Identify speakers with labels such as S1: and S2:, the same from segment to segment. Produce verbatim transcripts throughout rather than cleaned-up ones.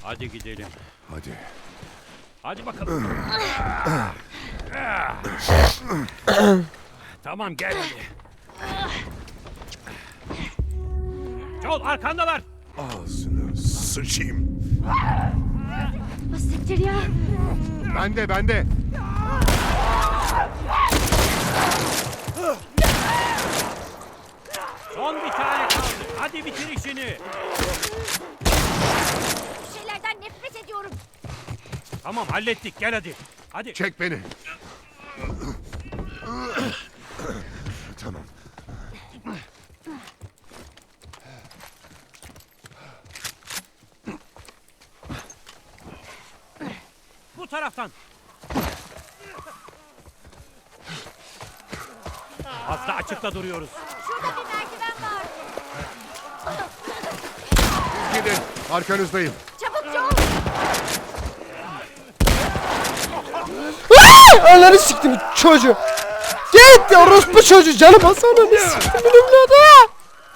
S1: Hadi gidelim.
S2: Hadi.
S1: Hadi bakalım. Tamam gel hadi. Joel arkandalar.
S2: Ağzını sıçayım.
S3: Siktir ya.
S2: Bende bende.
S1: Son bir tane kaldı. Hadi bitir işini.
S3: Bu şeylerden nefret ediyorum.
S1: Tamam hallettik gel hadi. Hadi.
S2: Çek beni. Tamam.
S1: Bu taraftan. Fazla açıkta duruyoruz.
S3: Şurada bir merdiven var.
S2: Gidin. Arkanızdayım.
S3: Çabuk Joel.
S4: Ananı siktim çocuğu. Git ya orospu çocuğu canım Hasan'ı ne siktim evladı.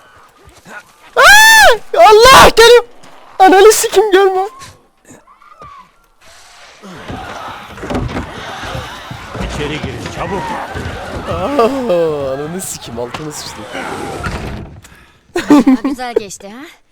S4: Aa! Allah geliyor. Ananı sikim gelme.
S1: İçeri girin çabuk.
S4: Aa, ananı sikim altını sıçtım.
S3: Güzel geçti ha.